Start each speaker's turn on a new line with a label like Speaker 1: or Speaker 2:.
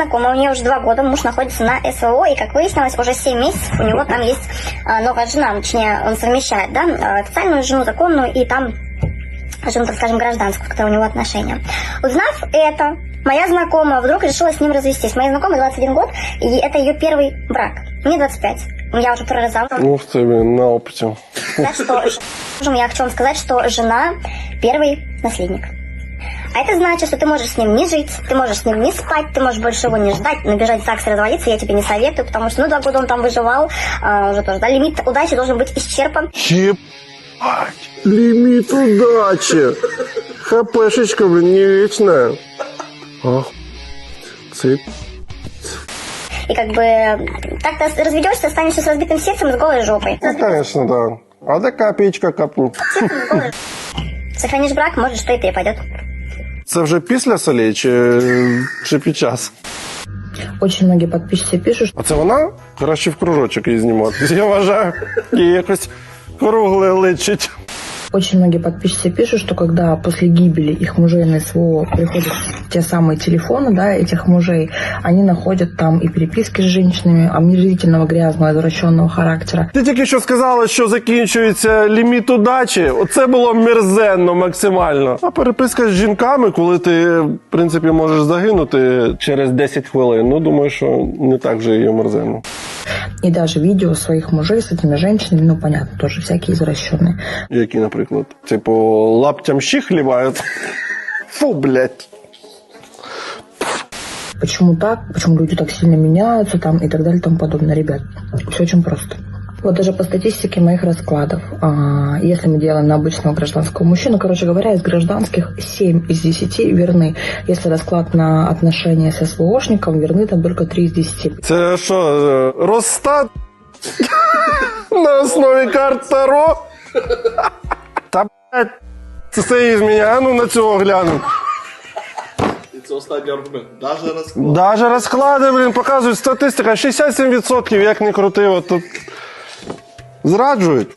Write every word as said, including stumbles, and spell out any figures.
Speaker 1: знакомая, у нее уже два года, муж находится на СВО, и, как выяснилось, уже семь месяцев у него там есть а, новая жена, точнее, он совмещает, да, официальную жену, законную, и там жену, так скажем, гражданскую, в которой у него отношения. Узнав это, моя знакомая вдруг решила с ним развестись. Моей знакомой двадцать один год, и это ее первый брак. Мне двадцать пять. Я уже прорезала.
Speaker 2: Ух ты, блин, на опыте.
Speaker 1: Так что, я хочу вам сказать, что жена первый наследник. А это значит, что ты можешь с ним не жить, ты можешь с ним не спать, ты можешь больше его не ждать, набежать в ЗАГС и разводиться, я тебе не советую, потому что, ну, два года он там выживал, а, уже тоже, да, лимит удачи должен быть исчерпан.
Speaker 2: Ебать, лимит удачи. ХПшечка, блин, не вечная. Ах, цит.
Speaker 1: И как бы так ты разведешься, останешься с разбитым сердцем и с голой жопой.
Speaker 2: Ну, конечно, да. А да копеечка капнет.
Speaker 1: Сохранишь брак, может, что и перепадет.
Speaker 2: Це вже після солей чи, чи під час?
Speaker 3: Очень многие подписчики пишут,
Speaker 2: А це вона? Краще в кружочок її знімати. Я вважаю, їй якось кругле личить.
Speaker 3: очень многие подписчики пишут, что когда после гибели их мужей на СВО приходят те самые телефоны, да, этих мужей, они находят там и переписки с женщинами омерзительного, грязного, извращенного характера.
Speaker 2: Ти тільки що сказала, що закінчується ліміт удачі. Оце було мерзенно максимально. А переписка з жінками, коли ти, в принципі, можеш загинути через десять хвилин, ну, думаю, що не так вже і мерзенно.
Speaker 3: И даже видео своих мужей с этими женщинами, ну, понятно, тоже всякие извращенные.
Speaker 2: Які, наприклад, типу, лаптям щі хлібають. Фу, блядь.
Speaker 3: Почему так? Почему люди так сильно меняются там и так далее и тому подобное. Ребят, все очень просто. Вот даже по статистике моих раскладов, а, если мы делаем на обычного гражданского мужчину, короче говоря, из гражданских семь из десяти верны. Если расклад на отношения с СВОшником, верны там только три из десяти.
Speaker 2: Це що, Росстат? На основі карт Таро? Та, блядь, це все із мене, а ну на цього гляну.
Speaker 4: І це останній аргумент. Даже розклад.
Speaker 2: Даже розклади, блін, показують статистика, шістдесят сім відсотків, як не крути, от тут зраджують.